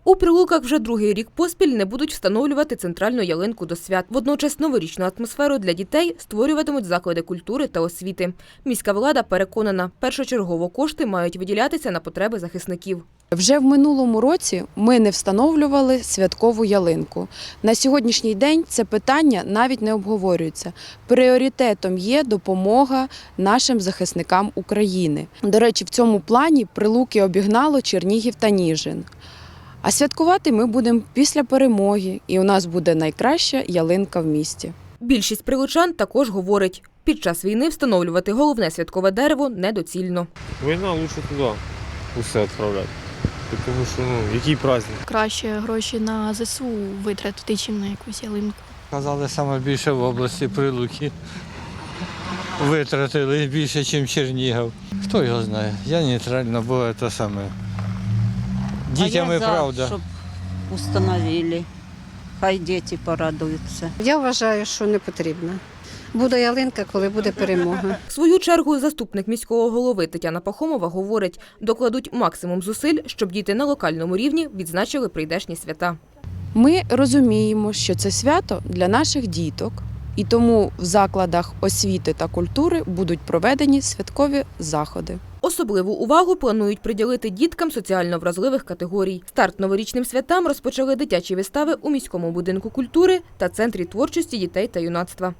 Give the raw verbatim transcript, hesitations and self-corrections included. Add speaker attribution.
Speaker 1: У Прилуках вже другий рік поспіль не будуть встановлювати центральну ялинку до свят. Водночас новорічну атмосферу для дітей створюватимуть заклади культури та освіти. Міська влада переконана, першочергово кошти мають виділятися на потреби захисників.
Speaker 2: Вже в минулому році ми не встановлювали святкову ялинку. На сьогоднішній день це питання навіть не обговорюється. Пріоритетом є допомога нашим захисникам України. До речі, в цьому плані Прилуки обігнало Чернігів та Ніжин. А святкувати ми будемо після перемоги, і у нас буде найкраща ялинка в місті.
Speaker 1: Більшість прилучан також говорить, під час війни встановлювати головне святкове дерево недоцільно.
Speaker 3: Війна, лучше туди усе відправляти. Тому що, ну, який праздник?
Speaker 4: Краще гроші на ЗСУ витратити, чим на якусь ялинку.
Speaker 5: Казали, саме більше в області Прилуки витратили більше, ніж Чернігів. Хто його знає? Я нейтрально, бо це саме. Дітям і правда.
Speaker 6: Щоб установили. Хай діти порадуються.
Speaker 7: Я вважаю, що не потрібно. Буде ялинка, коли буде перемога.
Speaker 1: В свою чергу заступник міського голови Тетяна Пахомова говорить, докладуть максимум зусиль, щоб діти на локальному рівні відзначили прийдешні свята.
Speaker 2: Ми розуміємо, що це свято для наших діток, і тому в закладах освіти та культури будуть проведені святкові заходи.
Speaker 1: Особливу увагу планують приділити діткам соціально вразливих категорій. Старт новорічним святам розпочали дитячі вистави у міському будинку культури та центрі творчості дітей та юнацтва.